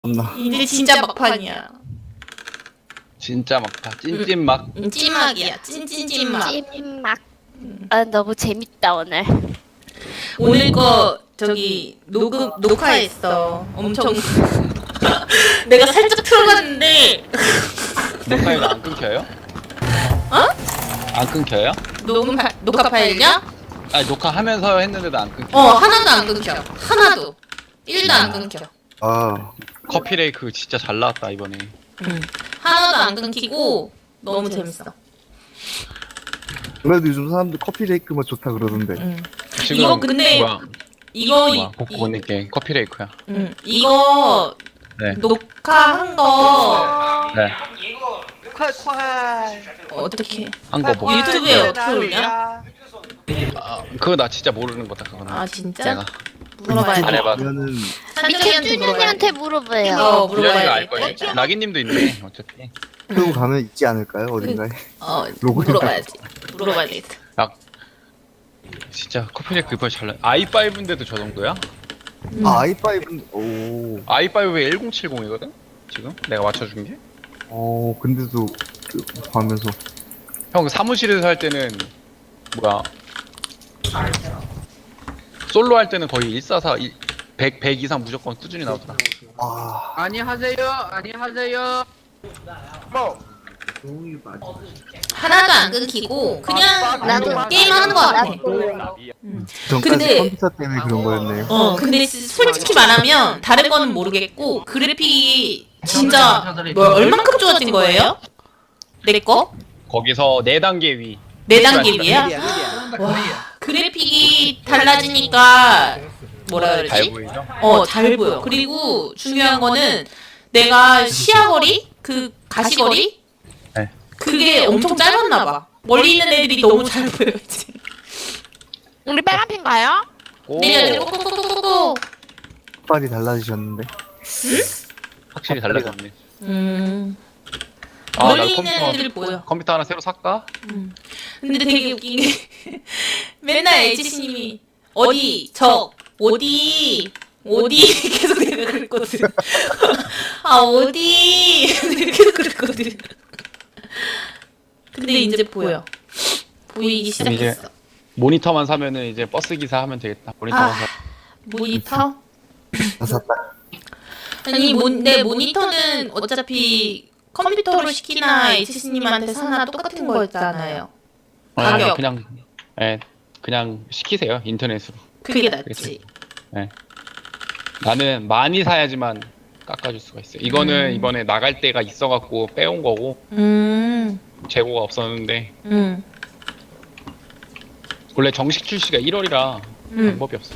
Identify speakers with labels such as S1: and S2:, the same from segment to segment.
S1: 없나?
S2: 이제 진짜 막판이야.
S3: 진짜 막다. 찐찐막.
S2: 찐막이야. 찐찐찐막.
S4: 찐막. 아 너무 재밌다 오늘.
S2: 오늘 거 저기 녹화했어. 엄청 내가 살짝 틀어봤는데
S3: 녹화에는 안 끊겨요?
S2: 어?
S3: 안 끊겨요?
S2: 녹화 파일이야?
S3: 아니 녹화하면서 했는데도 안 끊겨.
S2: 하나도 안 끊겨. 하나도 1도 안 끊겨.
S1: 아,
S3: 커피레이크 진짜 잘 나왔다 이번에.
S2: 하나도 안 끊기고 너무 재밌어.
S1: 그래도 요즘 사람들 커피 레이크만 좋다 그러던데.
S3: 지금
S2: 이거 근데
S3: 뭐야?
S2: 이거
S3: 복구 보낼게. 커피레이크야.
S2: 이거
S3: 네.
S2: 녹화한 거
S3: 네.
S5: 快快
S2: 어떻게
S3: 한 거 보고.
S2: 유튜브에 어떻게 올려?
S3: 아, 그거 나 진짜 모르는 거다 그거는.
S2: 아 진짜?
S3: 내가
S2: 물어봐야
S3: 안
S2: 돼.
S3: 해봐.
S1: 그러면은
S2: 산정이한테 물어봐야 돼.
S4: 쭈쭈님한테 물어봐요.
S2: 물어봐야
S3: 분량이가 알
S2: 돼.
S3: 거야. 나기님도 있네. 어차피.
S1: 끌고 가면 있지 않을까요? 어딘가에? 로그인
S2: 물어봐야지. 물어봐야 돼.
S3: 약 진짜 커피레이크 이번에 잘 나. i5인데도 저 정도야?
S1: 아, i5는 오,
S3: i5에 1070이거든? 지금 내가 맞춰준 게.
S1: 근데도 하면서
S3: 형 사무실에서 할 때는 뭐야? 솔로 할 때는 거의 144, 100 이상 무조건 꾸준히 나오더라.
S1: 아,
S5: 안녕하세요. 안녕하세요. 뭐?
S2: 하나도 안 끊기고 그냥
S4: 나도
S2: 게임하는 거 같아.
S1: 전까지
S2: 근데-
S1: 컴퓨터 때문에 그런 거였네요.
S2: 근데 솔직히 말하면 다른 거는 모르겠고 그래픽이 진짜 뭐 얼만큼 좋아진 거예요? 내 거?
S3: 거기서 4단계 위.
S2: 4단계 위야? 와, 그래픽이 달라지니까 뭐라
S3: 잘
S2: 그러지?
S3: 보이죠?
S2: 잘 보여. 그리고 중요한 거는 내가 시야거리? 그 가시거리?
S3: 네.
S2: 그게 엄청 짧았나 봐. 멀리 있는 애들이 너무 잘 보여지.
S4: 우리 빨간핀 가요?
S3: 오,
S2: 내려 꼬꼬꼬꼬꼬.
S1: 빨이 달라지셨는데.
S3: 확실히 달라졌네. 아,
S2: 멀리
S3: 나
S2: 있는 애들 보여.
S3: 컴퓨터 하나 새로 살까?
S2: 근데 되게 웃긴 게 맨날 HC님이 어디 계속 내가 그랬거든. 아 어디 계속 그랬거든. 근데 이제 보여. 보이기
S3: 그럼 이제
S2: 시작했어.
S3: 모니터만 사면은 이제 버스 기사 하면 되겠다. 모니터만
S2: 아.
S3: 사.
S2: 모니터?
S1: 다 샀다.
S2: 아니 내 모니터는 어차피 컴퓨터로 시키나 HC님한테 사나 똑같은 거였잖아요. 가격.
S3: 그냥 시키세요 인터넷으로.
S2: 그게 낫지.
S3: 나는 많이 사야지만 깎아줄 수가 있어요. 이거는 이번에 나갈 때가 있어갖고 빼온 거고 재고가 없었는데 원래 정식 출시가 1월이라 방법이 없어요.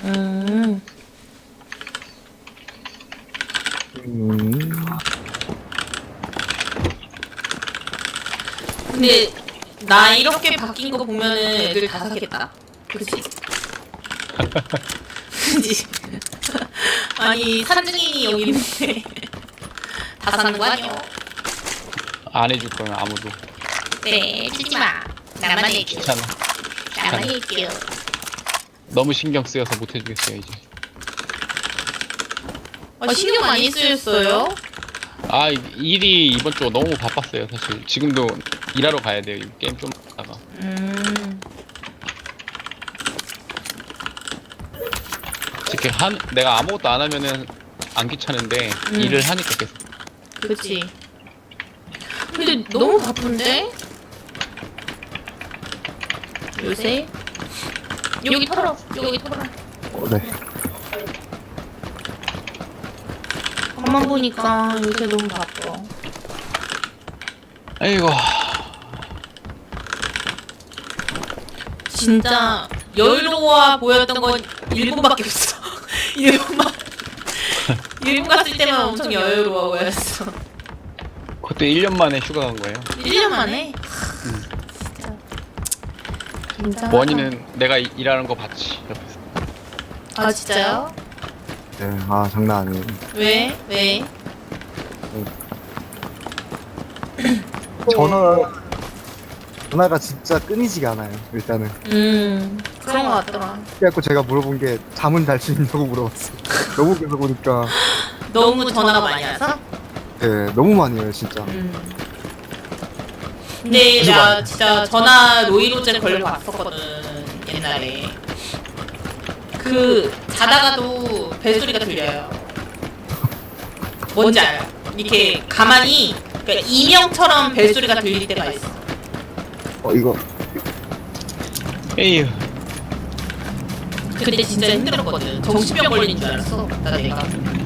S2: 근데 나 이렇게 바뀐 거 보면은 애들 다 사겠다. 그치? 그치? 아니 산증인이 여기 있는데 다 사는 거 아니야?
S3: 안 해줄 거면 아무도.
S2: 네, 주지 마. 나만 해줘.
S3: 귀찮아.
S2: 나만 해줘.
S3: 너무 신경 쓰여서 못 해주겠어요 이제.
S2: 신경 많이 쓰였어요?
S3: 아 일이 이번 주 너무 바빴어요 사실. 지금도 일하러 가야 돼요. 이 게임 좀 하다가. 솔직히 내가 아무것도 안 하면은 안 귀찮은데 일을 하니까 계속.
S2: 그치. 근데 너무 바쁜데? 요새? 여기 털어. 여기 털어.
S1: 네.
S2: 가만 보니까 요새 너무 바빠.
S3: 아이고.
S2: 진짜 여유로워 보였던 건 일본밖에 없어. 일본 갔을 때만 엄청 여유로워 보였어.
S3: 그때 1년 만에 휴가 간 거예요.
S2: 1년 만에? 진짜 굉장하다.
S3: 원인은 내가 일하는 거 봤지 옆에서.
S2: 아 진짜요?
S1: 네. 아, 장난 아니에요.
S2: 왜? 왜?
S1: 전화가 진짜 끊이지가 않아요. 일단은.
S2: 그런 거 같더라.
S1: 그래갖고 제가 물어본 게 잠은 잘 수 있냐고 물어봤어요. 너무 계속 오니까
S2: 너무 전화가 많이 와서?
S1: 네 너무 많이 해요 진짜.
S2: 근데 나 진짜 전화 노이로제 걸려 봤었거든 옛날에. 그 자다가도 벨소리가 들려요. 뭔지 알아요? 이렇게 가만히 그러니까 이명처럼 벨소리가 들릴 때가 있어.
S1: 이거
S3: 에휴.
S2: 그때 진짜 힘들었거든. 정신병 걸리는 줄 알았어. 내가.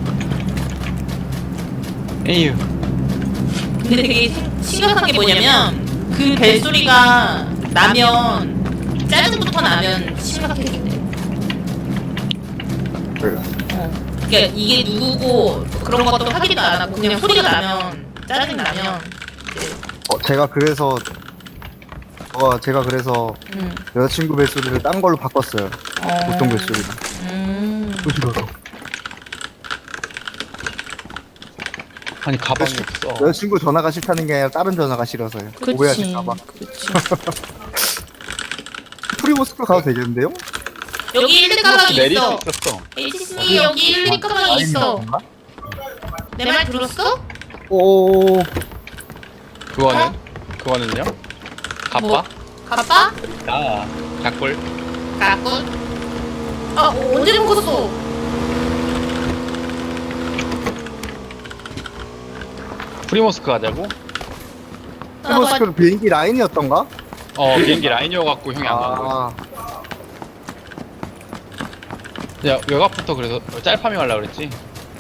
S3: 에휴.
S2: 근데 되게 심각한 게 뭐냐면 그 벨소리가 나면 짜증부터 나면 심각해진대.
S1: 그래요.
S2: 그러니까 이게 누구고 그런 것도 확인도 안 하고 그냥 소리가 나면 짜증 나면 이제
S1: 제가 그래서 여자친구 벨소리를 딴 걸로 바꿨어요. 보통 벨소리로. 부시러서.
S3: 아니 가방이 없어.
S1: 여자친구 전화가 싫다는 게 아니라 다른 전화가 싫어서요. 오해하실까봐.
S2: 그치.
S1: 프리모스크 가도 되겠는데요?
S2: 여기 1대 가방이
S3: 내릴 수
S2: 있어.
S3: 있었어.
S2: HC님 여기 1대 가방이 있어. 내 말 들었어?
S1: 오.
S3: 그거는요? 가빠?
S2: 뭐? 가빠?
S3: 나 작골.
S2: 가꾼? 언제 먹었어?
S3: 프리모스크 가자고?
S1: 프리모스크는 비행기 라인이었던가?
S3: 비행기 라인이어갖고 형이 안 간 거야. 야 외곽부터 그래서 짤파밍 하려고 그랬지.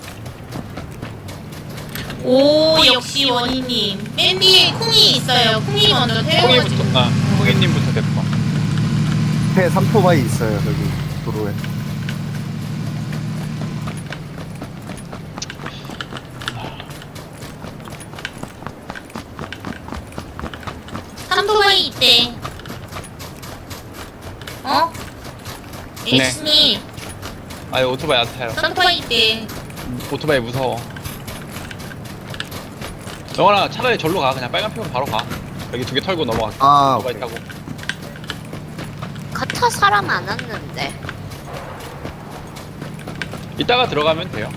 S2: 오 역시 원희님. 맨 뒤에 쿵이 있어요. 쿵이 먼저 태워가지고.
S3: 콩이님부터 됐고.
S1: 폐 3토바이 있어요 저기 도로에.
S2: 삼토바이 있대. HC님
S3: 아니 오토바이 안 타요.
S2: 삼토바이 있대.
S3: 오토바이 무서워. 영원아 차라리 절로 가. 그냥 빨간 핑으로 바로 가. 여기 2개 털고 넘어가. 오토바이
S1: 오케이.
S3: 타고.
S4: 가차 사람 안 왔는데.
S3: 이따가 들어가면 돼요.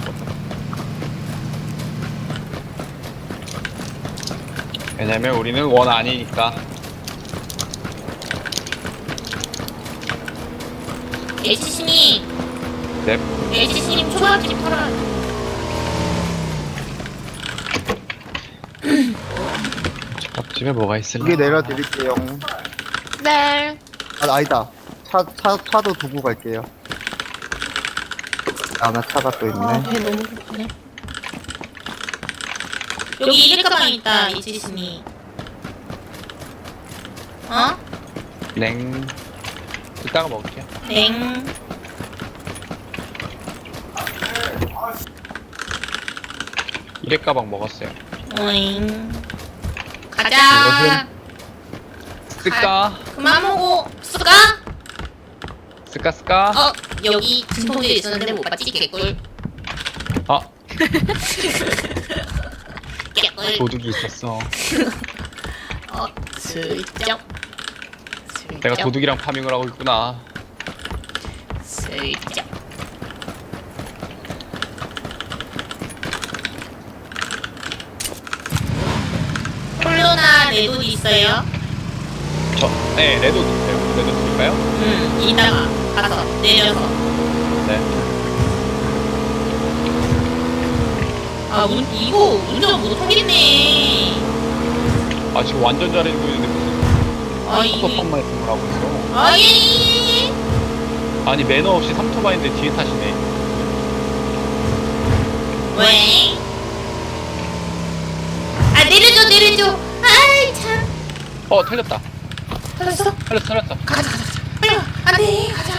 S3: 왜냐면 우리는 원 아니니까.
S2: HC님
S3: 넵.
S2: HC님 초밥집 털어요.
S3: 집에 뭐가 있을까?
S1: 여기 내려드릴게요.
S4: 네.
S1: 아니다. 차도 두고 갈게요. 나 차가 또 있네.
S2: 배 너무 고프네. 여기 1일 가방 있다 HC님.
S3: 냉. 이따가 먹을게요.
S2: 냉.
S3: 이렉 가방 먹었어요.
S2: 오잉. 가자.
S3: 쓸까?
S2: 그만 먹어. 쓰까?
S3: 쓸까?
S2: 여기 진통제 있었는데 못 봤지? 개꿀. 개꿀.
S3: 도둑이 있었어.
S2: 슬쩍.
S3: 내가 도둑이랑 파밍을 하고 있구나.
S2: 슬쩍. 콜로나 레돈 있어요?
S3: 네, 레드 있어요. 레드 드릴까요?
S2: 이따가 가서 내려서.
S3: 네.
S2: 이거 운전 못하겠네.
S3: 지금 완전 잘해 보이는데 무슨
S2: 이거.
S3: 섭섭한 말씀을 하고 있어.
S2: 예.
S3: 아니 매너 없이 삼토바인데 뒤에 타시네.
S2: 왜? 내려줘. 아이 참.
S3: 틀렸다.
S2: 틀렸어?
S3: 틀렸어.
S2: 가자. 빨리 와. 안돼. 가자.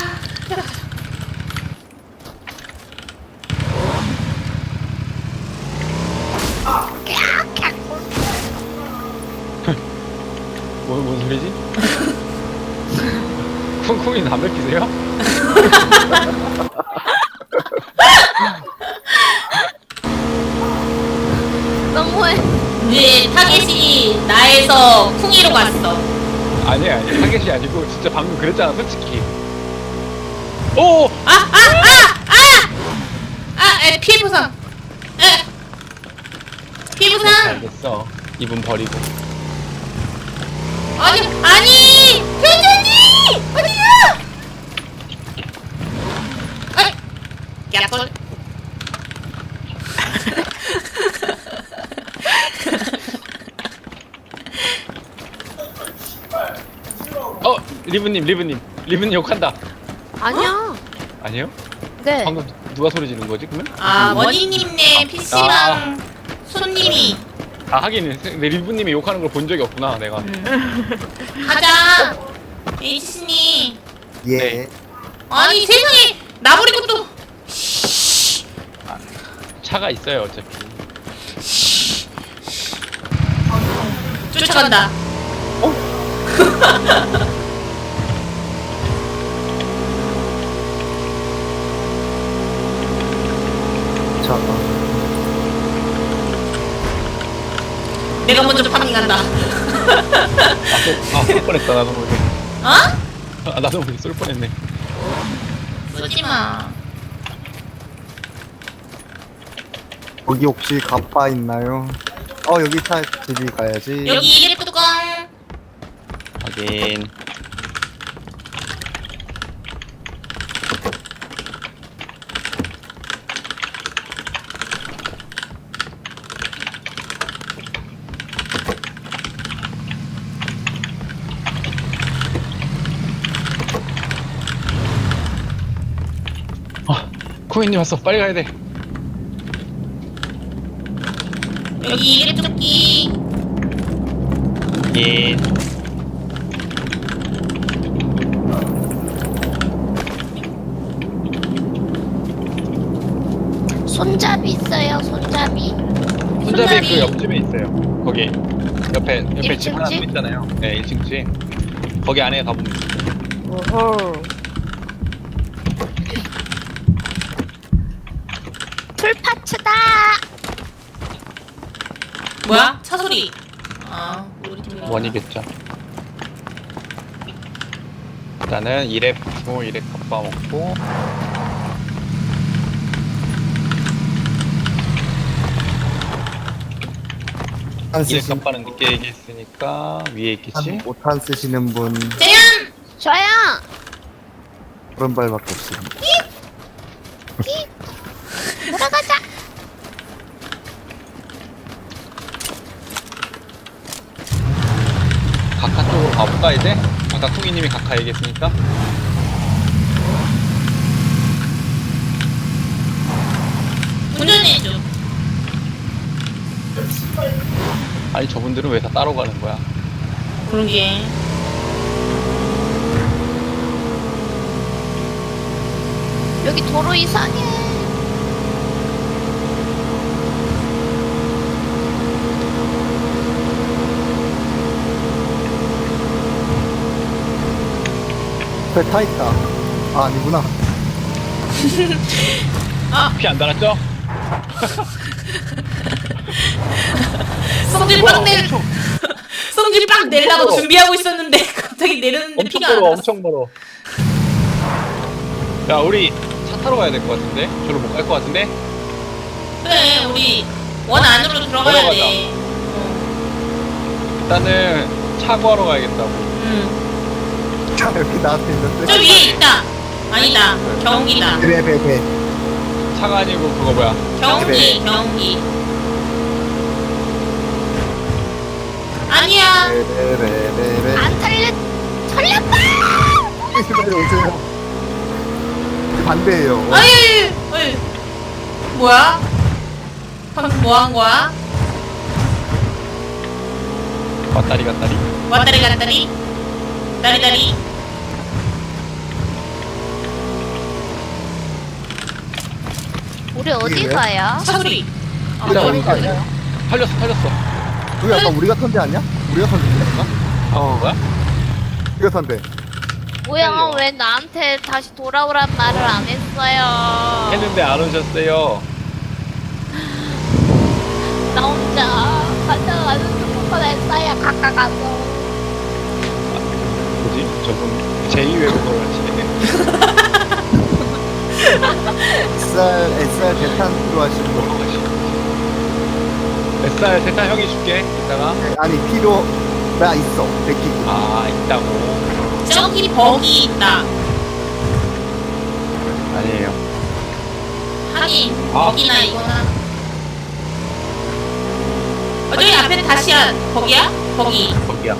S3: 뭔 소리지? 쿵쿵이 담배 피세요?
S4: 너무해.
S2: 이제 타겟이 나에서 쿵이로 갔어.
S3: 아니 타겟이 아니고 진짜 방금 그랬잖아 솔직히. 오!
S2: 피해 보상. 피해 보상.
S3: 알겠어. 이분 버리고.
S2: 아니, 회장님 어디야? 야sol.
S3: 리브님 욕한다.
S4: 아니야.
S3: 아니에요?
S4: 네.
S3: 방금 누가 소리 지른 거지 그러면?
S2: 원희님네 PC방 손님이.
S3: 하긴 내 리브님이 욕하는 걸 본 적이 없구나 내가.
S2: 가자. H님.
S1: 예.
S3: 네.
S2: 아니 세상에 나 버리고 또.
S3: 차가 있어요 어차피.
S2: 쫓아간다.
S1: 자,
S2: 내가 먼저 파밍한다.
S3: 쏠 뻔했다 나도 모르게.
S2: 어?
S3: 나도 모르게 쏠 뻔했네.
S2: 쏘지 마.
S1: 거기 혹시 갑바 있나요? 여기 차 집이 가야지.
S2: 여기 일회 뚜껑.
S3: 하긴. 쿠이님 왔어. 빨리 가야 돼.
S2: 여기 일회 뚜끼.
S3: 예.
S4: 손잡이 있어요. 손잡이.
S3: 손잡이 그 옆집에 있어요. 거기 옆에 집
S4: 1층
S3: 하나 또
S4: 집?
S3: 있잖아요. 네, 1층 집. 거기 안에 가보면
S4: 오호. 풀파츠다.
S2: 뭐야? 차 소리. 우리 팀.
S3: 원이겠죠. 일단은 1랩 주고 1랩 값바 먹고.
S1: 안
S3: 1랩
S1: 쓰신,
S3: 값바는 늦게 얘기했으니까 위에 있겠지.
S1: 못한 쓰시는 분
S2: 재현.
S4: 저야.
S1: 그런 발밖에 없습니다.
S4: 돌아가자.
S3: 각하 쪽으로 가볼까 이제? 아까 쿵이님이 각하 얘기했으니까.
S2: 운전해줘.
S3: 아니 저분들은 왜 다 따로 가는 거야?
S2: 그러게.
S4: 여기 도로 이상해.
S1: 배 타 있다. 아니구나.
S3: 피 안 달았죠?
S2: 성질 빡 내. 성질 빡 내려고 준비하고 있었는데 갑자기 내렸는데
S3: 엄청
S2: 피가 안
S3: 멀어,
S2: 났어.
S3: 엄청 멀어. 야, 우리 차 타러 가야 될 것 같은데? 저로 못 갈 것 같은데?
S2: 그래 우리 원 안으로 들어가야
S3: 들어가자.
S2: 돼.
S3: 일단은 차 구하러 가야겠다고.
S1: 차 여기 나한테 있는데.
S2: 저 위에 있다. 아니다. 경기다.
S1: 배.
S3: 차가 아니고 그거 뭐야?
S2: 경기. 아니야.
S1: 레레레레.
S4: 안 털렸다.
S1: 빨리 오세요. 반대예요.
S2: 아유. 뭐야? 방금 뭐 한 거야?
S3: 왔다리.
S2: 왔다리 갔다리. 다리다리.
S4: 우리 어디
S1: 이게요?
S4: 가요?
S2: 차 소리.
S1: 그냥 오는 거 아니야?
S3: 털렸어.
S1: 여기 아까 우리가 턴데 아니야? 우리가 턴데 아닌가?
S3: 뭐야?
S1: 우리가 턴데.
S4: 뭐야?
S3: 헷갈려.
S4: 왜 나한테 다시 돌아오란 말을 안 했어요?
S3: 했는데 안 오셨어요.
S4: 나 혼자 가져가는 수고만 했어요. 가서.
S3: 뭐지? 저분 제2 외국어 하시네.
S1: SR 대탄 필요하신 분.
S3: SR 세타 형이 줄게. 이따가.
S1: 네, 아니 필요 나 있어. 100기.
S3: 아 있다고.
S2: 저기 버기 있다.
S3: 아니에요.
S2: 하긴
S3: 아.
S2: 버기나 이거나. 저기 앞에 다시야 버기야? 버기.
S3: 거기야.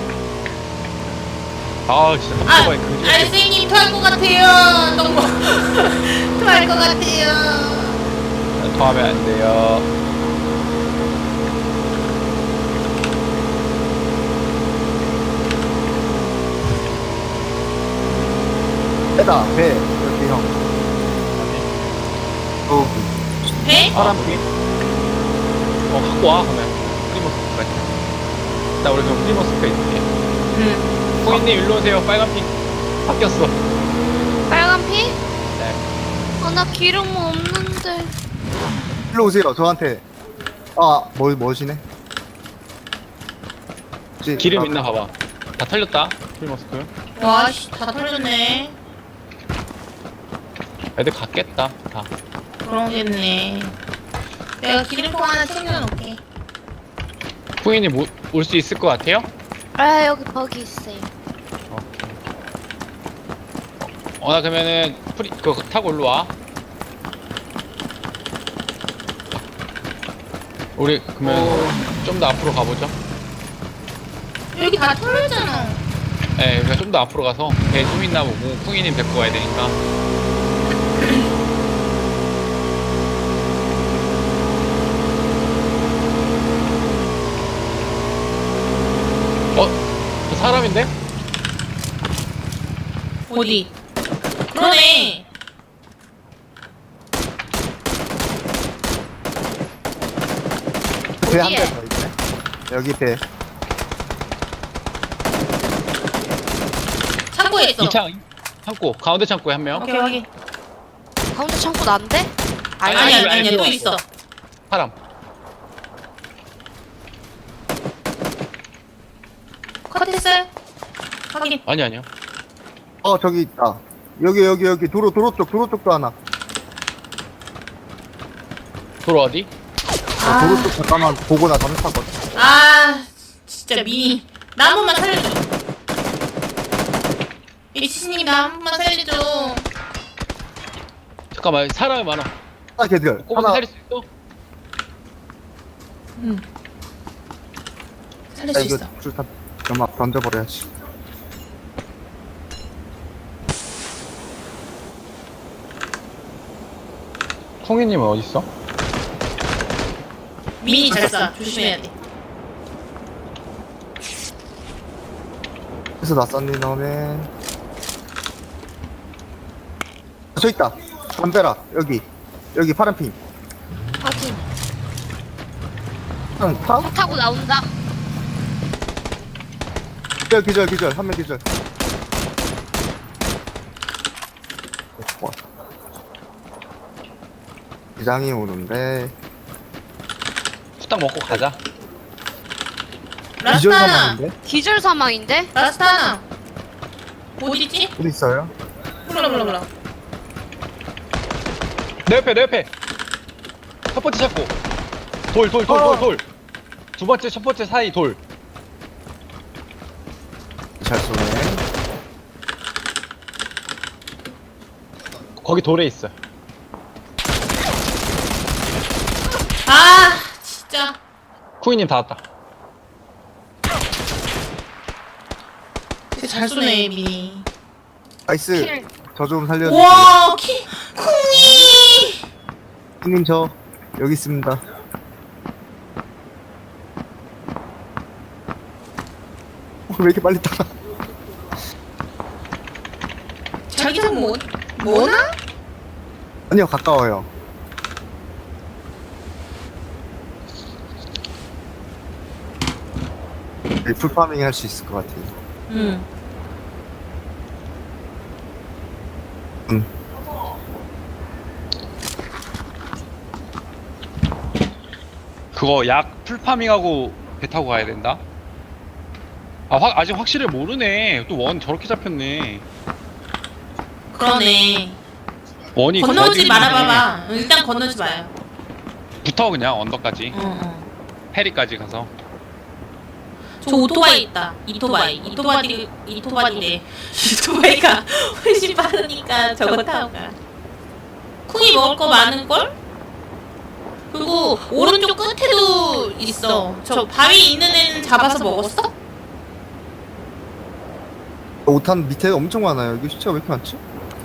S3: 아 진짜
S2: 아,
S3: 깜짝이야. 그지.
S2: 선생님 토할 것 같아요. 너무 토할 것 같아요.
S3: 더하면 안 돼요.
S1: 배다 배 이렇게 형. 어,
S2: 배?
S3: 파란빛. 갖고 와 그러면. 프리머스까지. 나 우리 그럼 프리머스까지 있을게.
S2: 응.
S3: 호인님 일로 오세요. 빨간 핑 바뀌었어.
S4: 빨간 피?
S3: 네.
S4: 나 기름 없는데.
S1: 일로 오세요. 저한테. 뭐시네?
S3: 기름 있나 봐봐. 다 털렸다. 프리머스크.
S2: 와씨 다 털렸네.
S3: 애들 갔겠다. 다.
S2: 그러겠네. 내가 기름통 하나 챙겨놓을게.
S3: 후인님 올 수 있을 것 같아요?
S4: 아 여기 버기 있어요.
S3: 나 그러면은 그거 타고 올라 와. 우리 그러면 좀 더 앞으로 가보죠.
S2: 여기 다 털렸잖아.
S3: 네, 우리가 좀 더 앞으로 가서 배 좀 있나 보고 후인님 데리고 가야 되니까. 저 사람인데?
S2: 어디? 그러네.
S1: 배 한 대 더 있네. 여기 배.
S2: 창고에 있어.
S3: 2창 창고 가운데 창고에 한 명.
S2: 오케이 확인.
S4: 가운데 창고 난데?
S2: 아니야 또 있어.
S3: 사람.
S2: 컷했어요? 확인.
S3: 아니요.
S1: 저기 있다. 여기 도로 쪽도 하나.
S3: 도로 어디?
S1: 도로 쪽 잠깐만 보고 나 잠깐.
S2: 아 진짜 미니. 나 한 번만 살려줘. 이치님 나 한 번만 살려줘.
S3: 잠깐만 사람이 많아.
S1: 걔들
S3: 꼬마
S1: 하나.
S3: 살릴 수 있어?
S2: 응. 살릴 수
S1: 이거
S2: 있어.
S1: 줄타 연막 던져버려야지.
S3: 콩이님은 어디 있어?
S2: 미니 잘 쏴. 조심해야 돼.
S1: 그래서 낯선니 너네. 저 있다. 담벼락 여기 파란 핑.
S4: 확인.
S1: 형 타?
S4: 차 타고 나온다.
S1: 기절 한 명 기절. 좋아. 기장이 오는데
S3: 후딱 먹고 가자.
S1: 기절
S2: 라스타나.
S1: 사망인데?
S4: 기절 사망인데?
S2: 라스타나. 어디지?
S1: 어디 있어요?
S2: 몰라.
S3: 내 옆에. 첫 번째 찾고. 돌. 두 번째, 첫 번째 사이 돌.
S1: 잘 쏘네.
S3: 거기 돌에 있어.
S2: 아 진짜.
S3: 쿠이님 다 왔다.
S2: 되게 잘 쏘네 미니.
S1: 나이스.
S4: 킬.
S1: 저 좀 살려주세요.
S2: 와 쿵이.
S1: 형님 저 여기 있습니다. 왜 이렇게 빨리 따라?
S2: 자기장 뭐나?
S1: 아니요 가까워요. 풀파밍 할 수 있을 것 같아요.
S2: 응.
S3: 그거 약 풀파밍하고 배 타고 가야 된다? 아직 확실히 모르네. 또 원 저렇게 잡혔네.
S2: 그러네.
S3: 원이
S2: 건너오지
S3: 거기
S2: 말아봐봐. 일단 건너지 마요.
S3: 붙어 그냥 언덕까지
S2: 응.
S3: 페리까지 가서.
S2: 저 오토바이 있다. 이토바이래. 이토바이가 훨씬 빠르니까 저거 타고 가. 쿵이 먹을 거 많을걸? 그리고 오른쪽 끝에도 있어. 저 바위 있는 애는 잡아서 먹었어?
S1: 5탄 밑에 엄청 많아요. 여기 시체가 왜 이렇게 많지?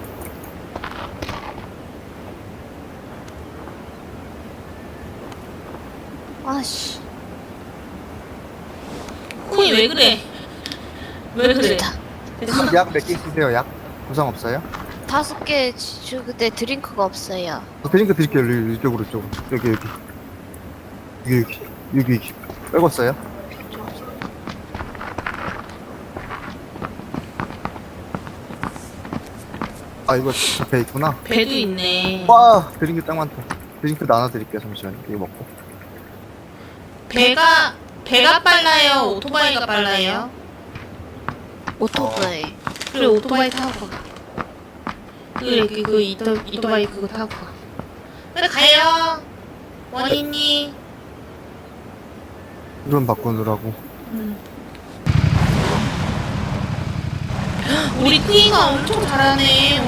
S4: 아씨.
S2: 쿵이 왜 그래? 왜 그래? 됐어.
S1: 약 몇 개 있으세요? 약? 부상 없어요?
S4: 5개 주근데 드링크가 없어요.
S1: 드링크 드릴게요. 이쪽으로. 여기. 빼고어요? 아, 이거 배 있구나.
S2: 배도 있네.
S1: 와, 드링크 딱 많다. 드링크 나눠드릴게요. 잠시만요. 이거 먹고.
S2: 배가 빨라요? 오토바이가 빨라요?
S4: 오토바이.
S2: 그래, 오토바이 타고 가. 그래, 이토바이 그거 타고 가. 그래, 가요. 원희님.
S1: 이런 바꾸느라고.
S2: 우리 쿵이가 엄청 잘하네,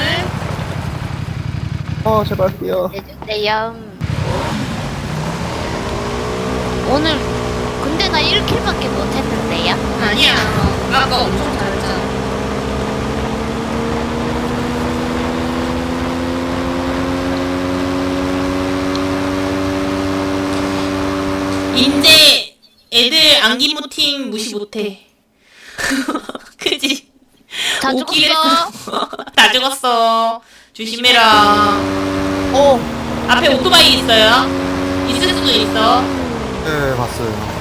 S2: 오늘.
S1: 제발 뛰어.
S4: 내주세요. 오늘 근데 나 1킬밖에 못했는데요.
S2: 아니야. 아까 엄청 잘했잖아. 인제 애들 안기모팅 무시 못해. 그지?
S4: 다
S2: 웃기겠어.
S4: 죽었어.
S2: 다 죽었어. 조심해라. 앞에 오토바이 있어요. 있을 수도 있어.
S1: 네, 봤어요.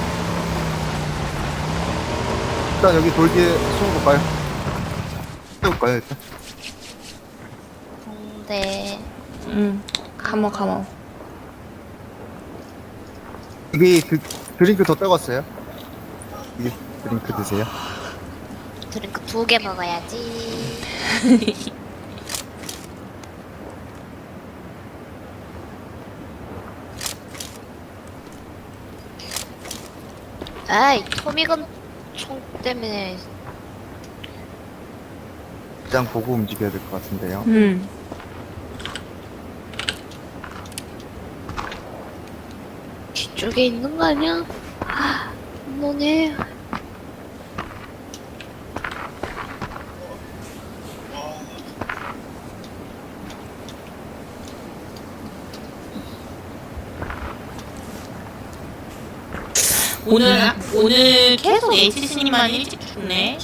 S1: 일단 여기 돌 뒤에 숨어볼까요? 세울까요, 일단?
S4: 네.
S2: 가모.
S1: 여기 드링크 더 떠갔어요? 여기 드링크 드세요.
S4: 드링크 2개 먹어야지. 아이, 토미건 총 때문에.
S1: 그냥 보고 움직여야 될 것 같은데요.
S4: 뒤쪽에 있는 거 아니야? 뭐네.
S2: 오늘 계속 HC님만 일찍 죽네.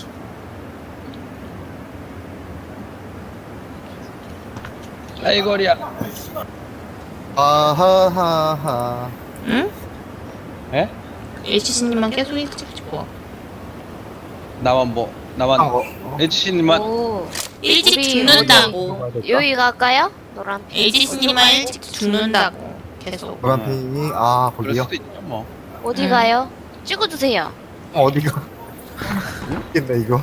S5: 아이고리야.
S1: 아하하하.
S2: 응?
S5: 에?
S2: HC님만 계속 일찍 죽어.
S5: 나만 HC님만
S4: 오.
S2: 일찍
S4: 우리
S2: 죽는다고.
S4: 여기 갈까요? 노란 핑.
S2: HC님만 일찍 죽는다고. 계속.
S1: 노란핑이,
S5: 그럴
S1: 거기요?
S5: 수도 있죠 뭐.
S4: 어디 가요? 찍어주세요.
S1: 어디가? 있겠네, 이거.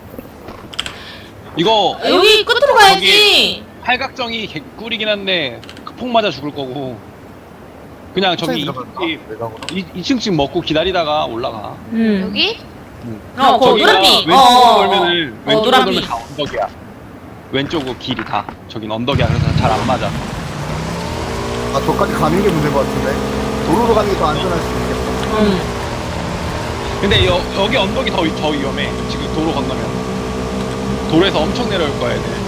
S5: 이거
S2: 여기 끝으로 가야지.
S5: 팔각정이 개꿀이긴 한데 폭 맞아 죽을 거고 그냥 저기
S1: 들어갈까? 외곽으로?
S5: 2층씩 먹고 기다리다가 올라가.
S4: 여기?
S2: 거
S5: 저기가
S2: 노란빛.
S5: 왼쪽으로 돌면은 왼쪽으로
S2: 노란빛.
S5: 돌면 다 언덕이야. 왼쪽으로 길이 다. 저긴 언덕이야. 그래서 잘 안 맞아.
S1: 저까지 가는 게 문제인 것 같은데. 도로로 가는 게 더 안전할 수도 있겠다.
S5: 근데 여기 언덕이 더 위험해. 지금 도로 건너면. 도로에서 엄청 내려올 거야, 애들.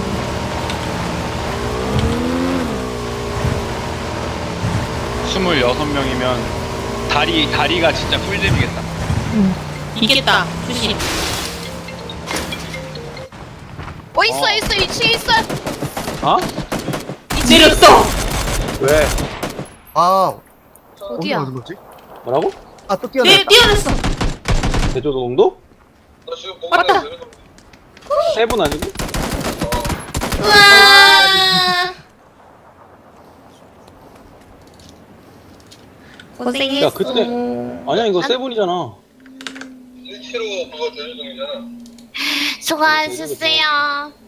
S5: 스물여섯 명이면 다리가 진짜 꿀잼이겠다.
S2: 이겠다. 조심.
S4: 있어 2층에 있어.
S5: 어?
S2: 내렸어.
S5: 왜?
S4: 어디야?
S1: 어디 거지?
S5: 뭐라고?
S1: 또 뛰어냈다.
S2: 뛰어냈어.
S5: 대조동도?
S2: 왔다.
S5: 세분 아니고?
S2: 우와. 고생했어.
S5: 야, 그때 아니야 이거 세븐이잖아.
S4: 수고하셨어요.